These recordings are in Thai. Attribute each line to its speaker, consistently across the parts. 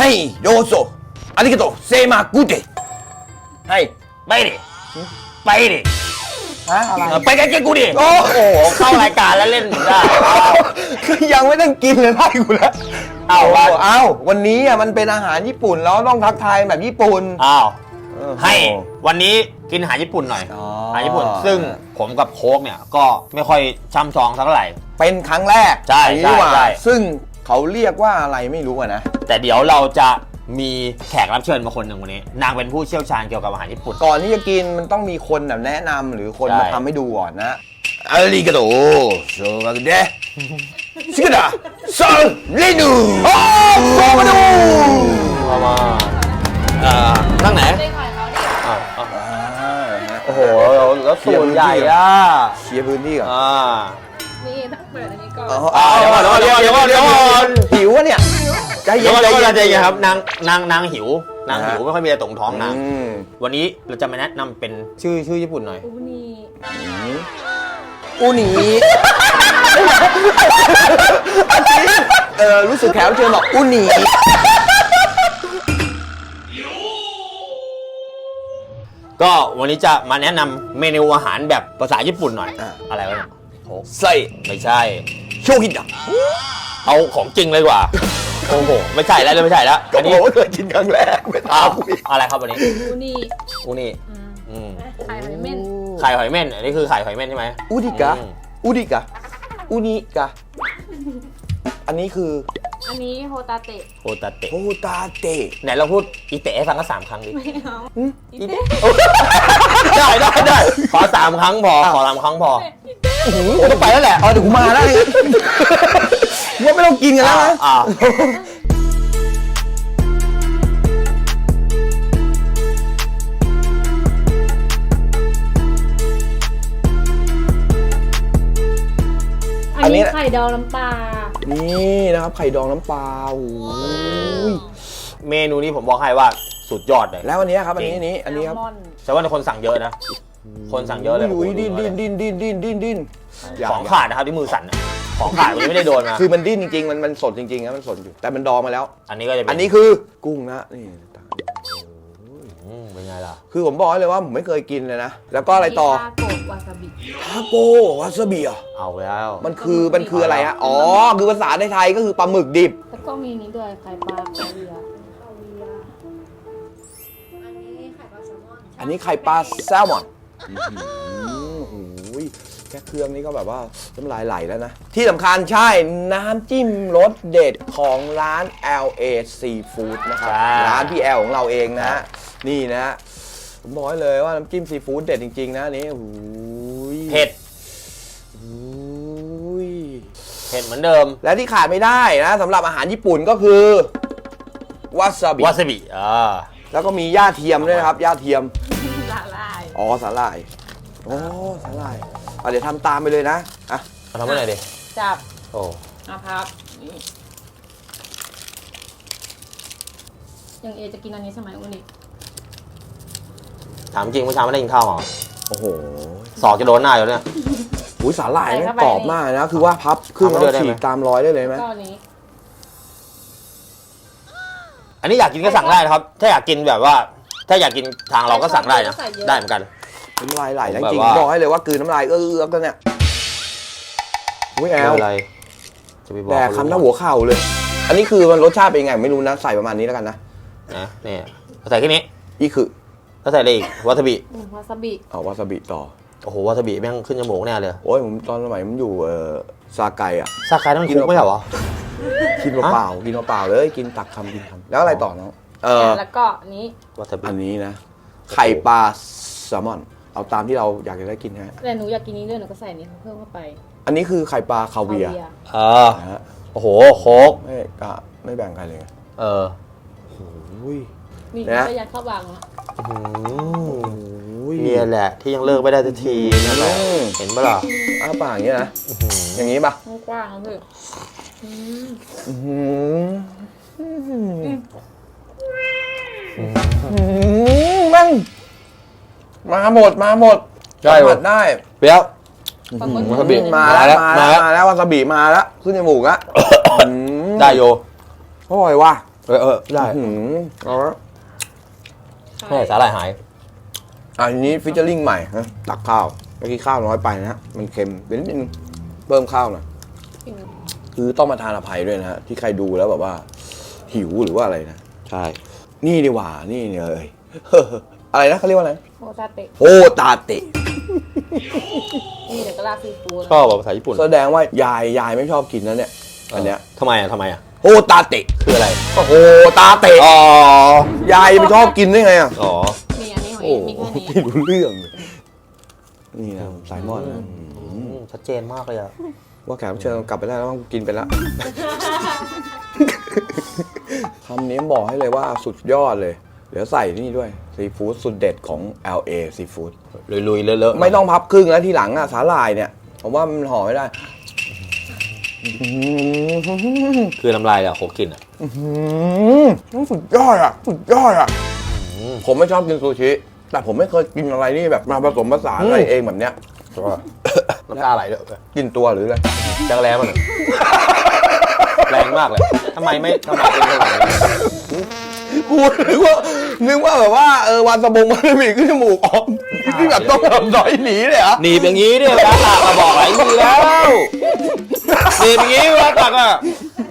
Speaker 1: โดโซอาริกาโตเซมากุเตให้ไปดิไปดิไปกันกูดิโอ้โหเข้ารายการแล้วเล่นได้ยังไม่ต้องกินเลยไล่กูแล้วเอาวันนี้อ่ะมันเป็นอาหารญี่ปุ่นแล้วต้องทักทายแบบญี่ปุ่น
Speaker 2: ให้วันนี้กินอาหารญี่ปุ่นหน่อยอาหารญี่ปุ่นซึ่งผมกับโค้กเนี่ยก็ไม่ค่อยช่ำชองสักเท่าไหร่
Speaker 1: เป็นครั้งแรก
Speaker 2: ใช่
Speaker 1: ซึ่งเขาเรียกว่าอะไรไม่รู้นะ
Speaker 2: แต่เดี๋ยวเราจะมีแขกรับเชิญมาคนหนึ่งวันนี้นางเป็นผู้เชี่ยวชาญเกี่ยวกับอาหารญี่ปุ่น
Speaker 1: ก่อนที่จะกินมันต้องมีคนแบบแนะนำหรือคนมาทำให้ดูก่อนนะอาริกาโตโชมาเดะชิคกี้พายซังเรนูโอ้โชมาดู
Speaker 2: มานั่งไหนโอ้โหแล้วสูตรใหญ่อะ
Speaker 1: เชียร์พื้นที่ก่อน
Speaker 3: นี่ต้องเปิดอันนี้ก่อน
Speaker 2: เดี๋ยวก่อน
Speaker 1: หิววะเนี่ย
Speaker 2: ใจเย็นครับนางหิวนางหิวไม่ค่อยมีอะไรตรงท้องนางวันนี้เราจะมาแนะนำเป็นชื่อญี่ปุ่นหน่อย
Speaker 1: อูนีรู้สึกแขวเชิญบอกอูนี
Speaker 2: ก็วันนี้จะมาแนะนำเมนูอาหารแบบภาษาญี่ปุ่นหน่อยอะไรวะเนี่ย
Speaker 1: ไส้
Speaker 2: ไม่ใช่
Speaker 1: โชฮิดะ
Speaker 2: เอาของจริงเลยกว่าโอ้โหไม่ใช่แล้ว
Speaker 1: อันนี้เคยกินครั้งแรกไม่ทราบ
Speaker 2: อะไรครับวันนี้
Speaker 3: อูนี่ไข่หอยเม่
Speaker 2: นอันนี้คือไข่หอยเม่นใช่ไหม
Speaker 1: อูนิกะอันนี้คือ
Speaker 3: อันนี้โฮตาเตะ
Speaker 2: ไหนเราพูดอีเตะให้ฟังก็3 ครั้งดิ
Speaker 3: ไม่เอา
Speaker 2: อีเตะได้ขอ3 ครั้งพอต้องไปแล้วแหละ
Speaker 1: เดี๋ยวกูมาแล้วว่าไม่ต้องกินกันแล้วนะ
Speaker 3: อันนี้ไข่ดองน้ำปลา
Speaker 1: นี่นะครับไข่ดองน้ำปลา
Speaker 2: เมนูนี้ผมบอกให้ว่าสุดยอดเลย
Speaker 1: แล้ววันนี้ครับอันนี้ครับ
Speaker 2: แต่ว่าคนสั่งเยอะนะคนสั่งเยอะเลย
Speaker 1: ดิ้น
Speaker 2: ของขาดนะครับที่มือสั่นของขาดวันนี้ไม่ได้โดนมา
Speaker 1: คือมันดิ้นจริงๆมันสดจริงๆนะมันสดอยู่แต่มันดองมาแล้ว
Speaker 2: อันนี้ก็จะ
Speaker 1: อันนี้คือกุ้งนะนี่
Speaker 2: เป็นไงล่ะ
Speaker 1: คือผมบอกเลยว่าผมไม่เคยกินเลยนะแล้วก็อะไรต่อ
Speaker 3: ทาโกวาซาบิ
Speaker 1: เอา
Speaker 2: แล้ว
Speaker 1: มันคืออะไรฮะคือภาษาในไทยก็คือปลาหมึกดิบ
Speaker 3: แล้วก็มีนี้ด้วยไข่ปลาคาเวียร์
Speaker 1: อันนี้ไข่ปลาแซลมอนแค่เครื่องนี้ก็แบบว่าน้ำลายไหลแล้วนะที่สำคัญใช่น้ำจิ้มรสเด็ดของร้าน LA Seafood นะครับร้านพี่แอลของเราเองนะฮะนี่นะผมบอกเลยว่าน้ำจิ้มซีฟู้ดเด็ดจริงๆนะนี่
Speaker 2: เผ็ดเหมือนเดิม
Speaker 1: และที่ขาดไม่ได้นะสำหรับอาหารญี่ปุ่นก็คือวาซาบิแล้วก็มีย่าเทียมด้วยนะครับย่าเทียม
Speaker 3: สาหร่าย
Speaker 1: สาหร่ายเดี๋ยวทำตามไปเลยนะ
Speaker 2: ทำอะไรดิ
Speaker 3: จับพับอย่างเอจะกินอันนี้ใช่ไหมวันนี้
Speaker 2: ถามจริงเมื่อเช้าไม่ได้กินข้าวหรอ
Speaker 1: โอ้โห
Speaker 2: ศอกจะโดนหน้าอยู่เนี่ย
Speaker 1: สาหร่ายนี่กรอบมากนะคือว่าพับขึ้นแล้วฉีกตามรอยได้เลยไหม
Speaker 2: อันนี้อยากกินก็สั่งได้นะครับถ้าอยากกินแบบว่าถ้าอยากกินทางเราก็สั่งได้นะได้เหมือนกัน
Speaker 1: น้ำลายไหลจริงบอกให้เลยว่ากืนน้ำลายกันเนี่ยแอลแต่คำหน้าหัวเข่าเลยอันนี้คือมันรสชาติเป็นไงไม่รู้นะใส่ประมาณนี้แล้วกันนะ
Speaker 2: นี่ใส่แค่นี้
Speaker 1: คือ
Speaker 2: แล้วใส่อะไรอีกวาซาบิ
Speaker 1: วาซาบิต่อ
Speaker 2: โอ้โหวาซาบิแม่งขึ้นจมูกแน่เลย
Speaker 1: โอ้ยผมตอนสมัยผมอยู่ซาไก
Speaker 2: ต้องกินไม่เหรอ
Speaker 1: กินเปล่าเลยกินตักคำแล้วอะไรต่อน้อง
Speaker 3: แล้วก็นี้
Speaker 1: วาซาบิอันนี้นะไข่ปลาแซลมอนเอาตามที่เราอยากจะได้กินฮะ
Speaker 3: แต่หนูอยากกินนี้ด้วยหนูก็ใส่นี้เพิ่มเข้าไป
Speaker 1: อันนี้คือไข่ปลาคาเวียร์
Speaker 2: โอ้โหโค้ก
Speaker 1: ไม่แบ่งใครเลย
Speaker 3: นี่ก็ยัดเข้าวางนะ
Speaker 2: เนี่ยแหละที่ยังเลิกไม่ได้สักทีนั่นแหละเห็นปะล่ะ
Speaker 1: ปากอย่างนี้นะอย่างนี้ปะ
Speaker 3: กว้างเลย
Speaker 1: มั่งมาหมด
Speaker 2: ได้
Speaker 1: ได้
Speaker 2: เปรี้ยว
Speaker 1: วาซาบิมาแล้ววาซาบิมาแล้วขึ้นจมูกอะ
Speaker 2: ได้โย
Speaker 1: อร่อยว่ะ
Speaker 2: ได้
Speaker 1: เอาละ
Speaker 2: ไม่สาหร่ายหาย
Speaker 1: อันนี้ฟิชเจอริงใหม่นะตักข้าวเมื่อกี้ข้าวน้อยไปนะฮะมันเค็มเป็นนิดนึงเพิ่มข้าวหน่อยคือต้องมาทานอภัยด้วยนะฮะที่ใครดูแล้วแบบว่า หิวหรือว่าอะไรนะ
Speaker 2: ใช่
Speaker 1: นี่ดีกว่านี่เนี่ยเอ้ย อะไรนะเขาเรียกว่าอะไร
Speaker 3: โฮตาเตะ
Speaker 1: โฮตาเตะ
Speaker 3: นี่เดี๋ยวก็ราดซีฟู้ด
Speaker 2: ชอบแบบภาษาญี่ปุ่น
Speaker 1: แสดงว่ายายไม่ชอบกินนะเนี่ยอันเนี้ย
Speaker 2: ทำไมอ่ะ
Speaker 1: โฮตาเตะ
Speaker 2: คืออะไร
Speaker 1: ก็โฮตาเตะ
Speaker 2: อ๋อย
Speaker 1: ายไม่ชอบกินได้ไงอ่ะ
Speaker 2: อ๋อ
Speaker 3: มีอันนี้ของ
Speaker 1: โอ้
Speaker 3: เองมีแค่นี้
Speaker 1: ไม่รู้เรื่องเลยนี่นะไซมอนนะ
Speaker 2: ชัดเจนมากเลยอะ
Speaker 1: ว่าแขกรับเชิญกลับไปได้แล้วต้องกินไปแล้ว คำนี้บอกให้เลยว่าสุดยอดเลย เดี๋ยวใส่นี่ด้วยซีฟู้ดสุดเด็ดของ LA ซีฟู้ด
Speaker 2: ลุยๆเลอะๆ
Speaker 1: ไม่ต้องพับครึ่งแล้วทีหลังอ่ะสาหร่ายเนี่ยผมว่ามันห่อไม่ได้
Speaker 2: คือน้ำลายอะโคกินอะ
Speaker 1: สุดยอดอ่ะสุดยอดอ่ะผมไม่ชอบกินซูชิแต่ผมไม่เคยกินอะไรนี่แบบมาผสมผสานอะไรเองแบบเนี้ย
Speaker 2: น้ำตาไหลเลย
Speaker 1: กินตัวหรืออะไร
Speaker 2: จังแรงมันแรงมากเลยทำไมเป็นขนาดนี้
Speaker 1: กูนึกว่าแบบว่าวันสะบงมันมีขึ้นจมูกออกที่แบบต้องแบบดอยหนีเลยเหรอ
Speaker 2: หนีบอย่างนี้เนี่ยร้านหลักมาบอกหลายทีแล้วหนีบอย่างนี้ร้านหลักอะ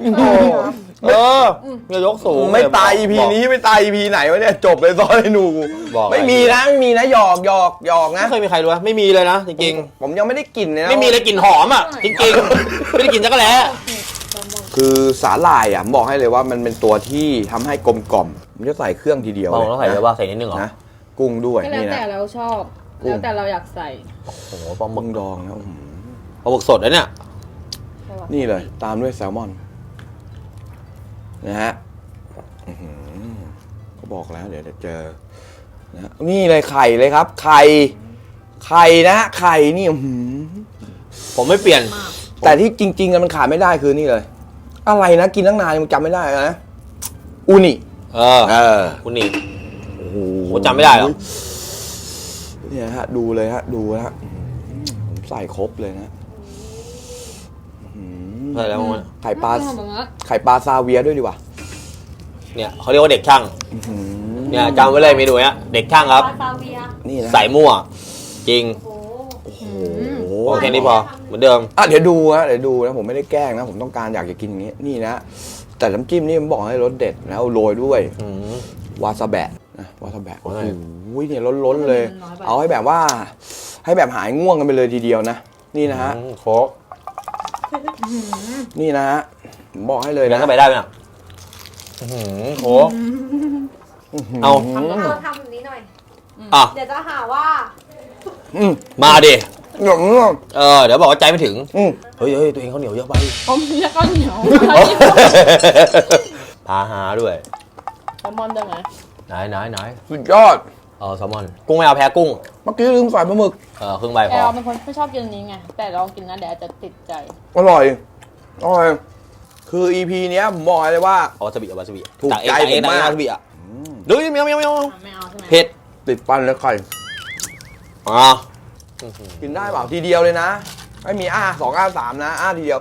Speaker 2: อย่ายกสูง
Speaker 1: ไม่ตาย EP นี้ไม่ตาย EP ไหนวะเนี่ยจบเลยซอยหนู
Speaker 2: บอก
Speaker 1: ไม่มีนะหยอกนะ
Speaker 2: ไม่เคยมีใครรู้ไม่มีเลยนะจริง
Speaker 1: ผมยังไม่ได้กลิ่นเลยนะ
Speaker 2: ไม่มีเลยกลิ่นหอมอ่ะจริงๆไม่ได้กลิ่นจักรแล้
Speaker 1: คือสาหร่ายอ่ะผมบอกให้เลยว่ามันเป็นตัวที่ทำให้กลมกล่อมมันจะใส่เครื่องทีเดียว
Speaker 2: ต้องใส่เยอะป่ะใส่นิดนึงเหรอ
Speaker 1: นะกุ้งด้วย
Speaker 3: ก็แล้ว
Speaker 1: นี่
Speaker 3: แต่
Speaker 1: นะ
Speaker 3: เราชอบ
Speaker 1: กุ้ง
Speaker 3: แล้วแต่เราอยากใส่
Speaker 2: โอ้โหปลาหมึ
Speaker 1: มึ
Speaker 2: ก
Speaker 1: งดองนะ
Speaker 2: ปลาหมึกสดนะเนี่ย
Speaker 3: ใช่ปะ
Speaker 1: นี่เลยตามด้วยแซลมอนนะฮะก็บอกแล้วเดี๋ยวจะเจอนะนี่เลยไข่เลยครับ ไข่นะไข่นี่
Speaker 2: ผมไม่เปลี่ยน
Speaker 1: แต่ที่จริงๆมันขาดไม่ได้คือนี่เลย อะไรนะกินตั้งนานยังจำไม่ได้นะอูนิ
Speaker 2: คุณนี่
Speaker 1: โอ้โห
Speaker 2: ผมจำไม่ได้หรอก
Speaker 1: เนี่ยฮะดูเลยฮะดูฮะผมใส่ครบเลยนะ
Speaker 2: ใช่แล้วมั้ง
Speaker 1: ไข่ปลา
Speaker 3: ทำแบบนั้น
Speaker 1: ไข่ปลาซาเวียด้วยดีกว่า
Speaker 2: เนี่ยเขาเรียกว่าเด็กช่างเนี่ยจำไว้เลยเมนูเนี้ยเด็กช่างครับ
Speaker 3: ปลาซาเวีย
Speaker 1: นี่นะ
Speaker 2: ใส่มั่วจริง
Speaker 3: โอ้
Speaker 1: โอ้โห
Speaker 2: โอเคนี่พอเหมือนเดิม
Speaker 1: เดี๋ยวดูนะผมไม่ได้แกล้งนะผมต้องการอยากจะกินอย่างนี้นี่นะแต่น้ำจิ้มนี่มันบอกให้รสเด็ดแล้วโรยด้วยวาซาแบะนะวาซาแบะโอ้โหเนี่ยล้นๆเลย เอาให้แบบว่าให้แบบหายง่วงกันไปเลยทีเดียวนะนี่นะฮะ
Speaker 2: โค้ก
Speaker 1: นี่นะฮะผมบอกให้เลย
Speaker 2: แล้ว
Speaker 1: นะ
Speaker 2: ก็ไปได้ไหมอ่ะโค้กเอา
Speaker 4: ทำแบบนี้หน่อย
Speaker 2: อ่ะ
Speaker 4: เดี๋ยวจะหาว่า
Speaker 2: มาดิ
Speaker 1: หนุ่ม
Speaker 2: เดี๋ยวบอกว่าใจไม่ถึง
Speaker 1: ๆ
Speaker 2: เฮ้ยตัวเองเขาเหนียวเยอะไป
Speaker 3: ผมแล้วก็เหนียว
Speaker 2: พาหาด้วย
Speaker 3: แซลมอนได้ไหม
Speaker 2: ไหน
Speaker 1: สุดยอด
Speaker 2: แซลมอนกุ้งไม่เอาแพ้กุ้ง
Speaker 1: เมื่อกี้ลืมใส่ปลาหมึก
Speaker 2: ครึ่งใบพ
Speaker 3: แต่
Speaker 2: อ
Speaker 3: เราเป็นคนไม่ชอบกินอันนี้ไงแต่ลองกินนะเดี๋ยวอาจจะติดใจ
Speaker 1: อร่อยคือ EP เนี้ยผมบอกเลยว่า
Speaker 2: เอาวาซาบิ
Speaker 1: ถูกใจ
Speaker 2: จากเอง
Speaker 1: ผมมาก
Speaker 2: วาซาบิอ่ะดูเมียว
Speaker 3: ไม่เอาใช่ไหม
Speaker 2: เผ็ด
Speaker 1: ติดปันแล้วไข่ กินได้เปล่าทีเดียวเลยนะไม่มี2 3นะทีเดียว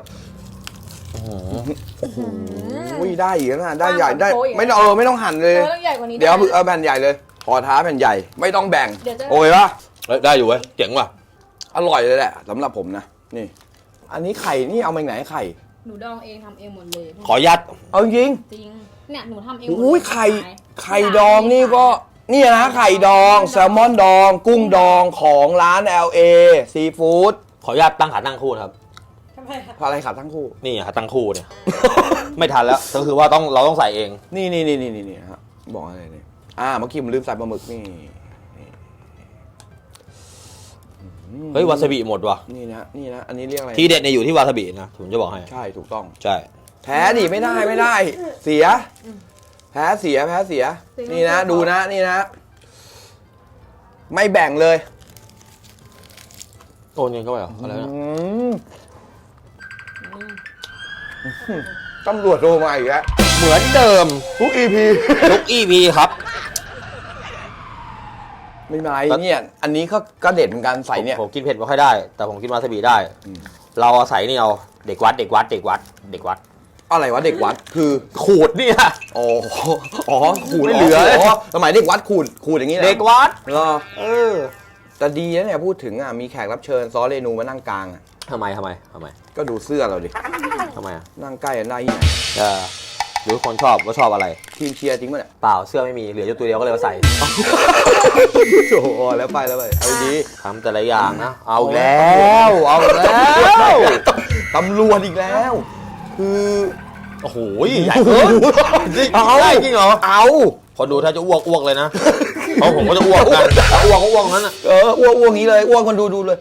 Speaker 1: อุ้ยได้อีกนะได้ใหญ่ได้ไม่ต้องหั่นเลย
Speaker 3: ต้องใหญ่กว่านี้
Speaker 1: เดี๋ยวแผ่นใหญ่เลยขอท้าแผ่นใหญ่ไม่ต้องแบ่ง
Speaker 3: เดี๋ยวจะ
Speaker 1: โอ้ยปะ
Speaker 2: ได้อยู่เว้ยเจ๋งว่ะ
Speaker 1: อร่อยเลยแหละสำหรับผมนะนี่ อันนี้ไข่นี่เอามาจากไหนไข่
Speaker 3: หนูดองเองทำเองหมดเลย
Speaker 2: ขอยัด
Speaker 1: เอาจริง
Speaker 3: จริงเนี่ยหนูทำเองหมดเลย
Speaker 1: อุ้ยไข่ดองนี่ก็นี่นะไข่ดองแซลมอนดอง กุ้งดองของร้าน LA ซีฟู้ด
Speaker 2: ขอยัดตั้งขาตั้งคู่นะครับ
Speaker 4: ทำไมคะ
Speaker 1: อะไรขับทั้งคู่
Speaker 2: นี่ขาตั้งคู่เนี่ย ไม่ทันแล้วก็คือว่าเราต้องใส่เอง
Speaker 1: นี่ฮะบอกอะไรเนี่ยเมื่อกี้ผมลืมใส่ปลาหมึกนี่
Speaker 2: เฮ้ยวาซาบิหมดว่ะ
Speaker 1: นี่นะอันนี้เรียกอะไร
Speaker 2: ที่เด็ดเนี่ยอยู่ที่วาซาบินะผมจะบอกให้
Speaker 1: ใช่ถูกต้อง
Speaker 2: ใช่
Speaker 1: แพ้ดิไม่ได้เสียแพ้เสียนี่นะดูนะนี่นะ ไม่แบ่งเลย
Speaker 2: โอนเงินเข้าไปเหรออะไรนะ
Speaker 1: ตำรวจโทรมาอีกแล้ว
Speaker 2: เหมือนเดิม
Speaker 1: ทุก EP
Speaker 2: ทุก EP ครับ
Speaker 1: ไม่เป็นไรเนี่ยอันนี้ก็เด็ดเหมือนกันใส่เนี่ย
Speaker 2: ผมกินเผ็ดไม่ค่อยได้ แต่ผมกินวาซาบิได้ เราใส่นี่เอาเด็กวัด
Speaker 1: อะไรวะเด็กวัดคือ
Speaker 2: ขูดเนี่ย
Speaker 1: อ๋ออ๋อขูด
Speaker 2: ไม่เหลือ
Speaker 1: สมัยเด็กวัดขูดอย่างนี้นะ
Speaker 2: เด็กวัด
Speaker 1: เหรอ
Speaker 2: เออ
Speaker 1: แต่ดีนะเนี่ยพูดถึงอ่ะมีแขกรับเชิญซ้อเรนูมานั่งกลางอ่ะ
Speaker 2: ทำไม
Speaker 1: ก็ดูเสื้อเราดิ
Speaker 2: ทำไมอ่ะ
Speaker 1: นั่งใกล้กันได้ที่ไหน
Speaker 2: หรือคนชอบว่าชอบอะไร
Speaker 1: ทีมเชียร์จริงป่ะเนี่ย
Speaker 2: เปล่าเสื้อไม่มีเหลืออยู่ตัวเดียวก็เลยมาใส่
Speaker 1: โอ้โหแล้วไปเอาดี
Speaker 2: ทำแต่ละอย่างนะ เอาอีก
Speaker 1: แล้
Speaker 2: แล้ว
Speaker 1: ตำรวจอีกแล้ว คือ
Speaker 2: โอ้โหใหญ่เกินได้จริงเหรอ
Speaker 1: เอา
Speaker 2: พอดูถ้าจะอ้วกเลยนะเพราะผมก็จะอ้วกกันอ้วกก็อ้วกนั้นอ่ะ
Speaker 1: อ้วกงี้เลยอ้วกคนดูเลย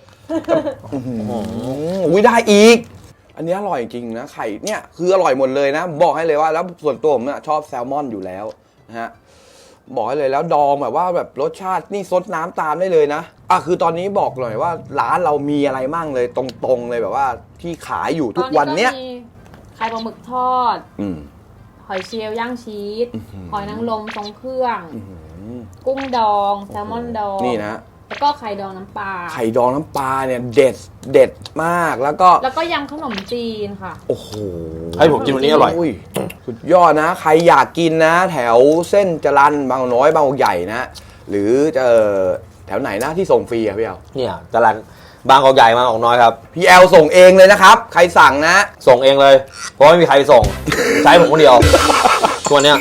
Speaker 1: อุ้ยได้อีก อันนี้อร่อยจริงนะไข่เนี่ยคืออร่อยหมดเลยนะบอกให้เลยว่าแล้วส่วนตัวผมชอบแซลมอนอยู่แล้วนะฮะบอกให้เลยแล้วดองแบบว่าแบบรสชาตินี่ซดน้ำตามได้เลยนะคือตอนนี้บอกหน่อยว่าร้านเรามีอะไรมั่งเลยตรงๆเลยแบบว่าที่ขายอยู่ทุกวันเนี้ย
Speaker 3: ตอก็มีไข่ปลาหมึกทอด หอยเชลล์ย่างชีส หอยนางรมทรงเครื่อง กุ้งดองแซลมอนดอง
Speaker 1: นี่นะ
Speaker 3: แล้วก็ไข่ดองน้ำปลา
Speaker 1: ไข่ดองน้ำปลาเนี่ยเด็ดมากแล้วก็
Speaker 3: ยำขนมจีนค่ะ
Speaker 1: โอ้โห
Speaker 2: ให้ผมกินวันนี้อร่อย
Speaker 1: สุดยอดนะ ใครอยากกินนะ แถวเส้นจรัญบางน้อยบางใหญ่นะ หรือจะแถวไหนนะที่ส่งฟรีอะพี่แอล
Speaker 2: เนี่ยจรัญบางกอกใหญ่บางกอกน้อยครับ
Speaker 1: พี่แอลส่งเองเลยนะครับ ใครสั่งนะ
Speaker 2: ส่งเองเลย เพราะไม่มีใครส่ง ใช้ผมคนเดียวตัวเนี้ย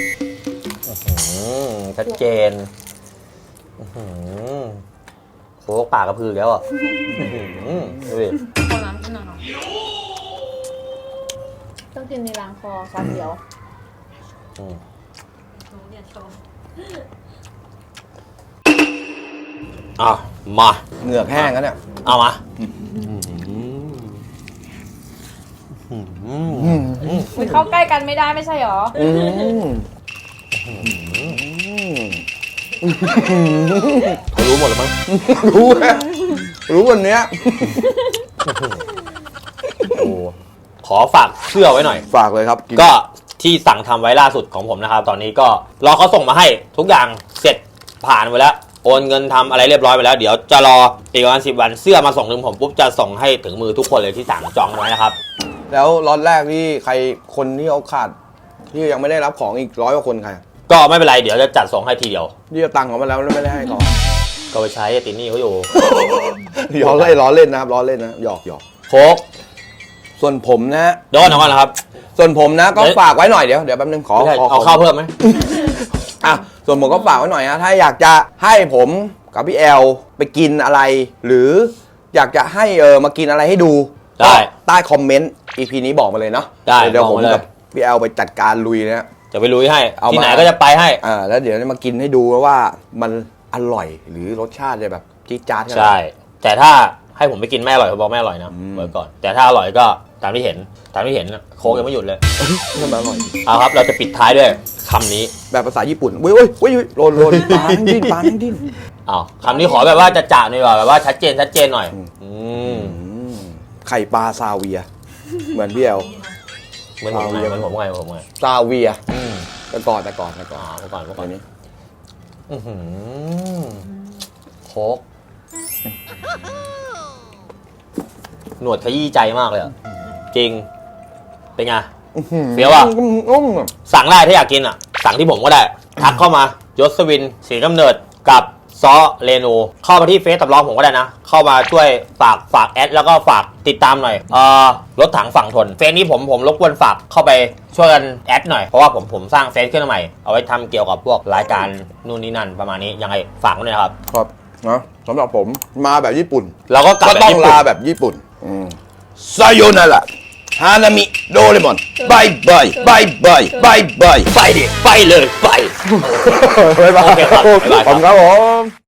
Speaker 2: ชัดเจนโค้กปากกระพือแล้วอ่ะดูดิ
Speaker 3: ขอน้ำกินหน่อยต้องกินในล้างคอซาเดียว
Speaker 2: มา
Speaker 1: เหงือกแห้งแล้วเนี่ย
Speaker 2: เอามา
Speaker 3: มันเข้าใกล้กันไม่ได้ไม่ใช่หรอ
Speaker 2: เขารู้หมดแล้วมั้ง
Speaker 1: รู้วันเนี้ย
Speaker 2: โอ้ขอฝากเชื่อไว้หน่อย
Speaker 1: ฝากเลยครับ
Speaker 2: ก็ที่สั่งทำไว้ล่าสุดของผมนะครับ ตอนนี้ก็รอเขาส่งมาให้ทุกอย่างเสร็จผ่านไปแล้วโอนเงินทำอะไรเรียบร้อยไปแล้วเดี๋ยวจะรออีกวัน10 วันเสื้อมาส่งถึงผมปุ๊บจะส่งให้ถึงมือทุกคนเลยที่สั่งจองไว้นะครับ
Speaker 1: แล้วล็อตแรกที่คนที่เขาขาดที่ยังไม่ได้รับของอีก100 กว่าคนใคร
Speaker 2: ก็ไม่เป็นไรเดี๋ยวจะจัดส่งให้ทีเดียว
Speaker 1: ที่เอาตังค์เขามาแล้วแล้วไม่ได้ให้เขา
Speaker 2: ก็ไปใช้ตินนี่เขาอยู่
Speaker 1: ล้อเล่นนะครับล้อเล่นนะหยอก
Speaker 2: โค้ก
Speaker 1: ส่วนผมนะ
Speaker 2: เดี๋ยวก่อนนะครับ
Speaker 1: ส่วนผมนะก็ฝากไว้หน่อยเดี๋ยวแป๊บนึงขอ
Speaker 2: ไม่ใช่เอาข้าวเพิ่มไหม
Speaker 1: ส่วนผมก็ฝากไว้หน่อยนะถ้าอยากจะให้ผมกับพี่แอลไปกินอะไร หรืออยากจะให้มากินอะไรให้ดู
Speaker 2: ได้
Speaker 1: ใต้คอมเมนต์ EP นี้บอกมาเลยเนาะ
Speaker 2: ได้
Speaker 1: เดี๋ยวผม
Speaker 2: บอกมาเลย
Speaker 1: กับพี่แอลไปจัดการลุยนะ
Speaker 2: จะไปลุยให้
Speaker 1: เอามา
Speaker 2: ที่ไหนก็จะไปให้
Speaker 1: แล้วเดี๋ยวมากินให้ดูว่ามันอร่อยหรือรสชาติจะแบบจี๊ดจ๊าดขนาดไหน
Speaker 2: ใช่ แต่ถ้าให้ผมไปกินไม่อร่อยผมบอกไม่อร่อยนะไว้ก่อน แต่ถ้าอร่อยก็ตามที่เห็นโค้กยังไม่หยุดเลย
Speaker 1: มันอร่อย
Speaker 2: เอาครับ เราจะปิดท้ายด้วยคำนี้
Speaker 1: แบบภาษาญี่ปุ่นเว้ยโรนปลาดิ้น
Speaker 2: อ้าวคำนี้ขอแบบว่าจะจ่าหน่อยดีกว่าแบบว่าชัดเจนหน่อย
Speaker 1: ไข่ปลาซาเวีย เหมือนพี่แอล
Speaker 2: เหมือนผมไง
Speaker 1: ซาเวียแต่ก่อน
Speaker 2: เมื่อก่อน
Speaker 1: นี้
Speaker 2: โค้กหนวดขยี้ใจมากเลยอ่ะจริงเป็นไงเฟี้ยวอ่ะสั่งได้ถ้าอยากกินอ่ะสั่งที่ผมก็ได้ทักเข้ามายศวินศรีกำเนิดกับซอเรนูเข้ามาที่เฟซตับล้อผมก็ได้นะเข้ามาช่วยฝากแอดแล้วก็ฝากติดตามหน่อยรถถังฝั่งทนเฟซนี้ผมรบกวนฝากเข้าไปช่วยกันแอดหน่อยเพราะว่าผมสร้างเฟซขึ้นมาใหม่เอาไว้ทำเกี่ยวกับพวกรายการนู่นนี่นั่นประมาณนี้ยังไงฝากไว้ด้วยนะครับ
Speaker 1: ครับนะสำหรับผมมาแบบญี่ปุ่
Speaker 2: เราก็กลับ
Speaker 1: ก็
Speaker 2: แบบ
Speaker 1: ต้อง
Speaker 2: ญี่ปุ่น
Speaker 1: ลาแบบญี่ปุ่นซาโยนาระฮานามิโดเรมอนบายบายไปดิ
Speaker 2: ไปเลยไป
Speaker 1: บ๊ายบาย
Speaker 2: โอเคครับบ๊ายบายครับ
Speaker 1: ผมครับผม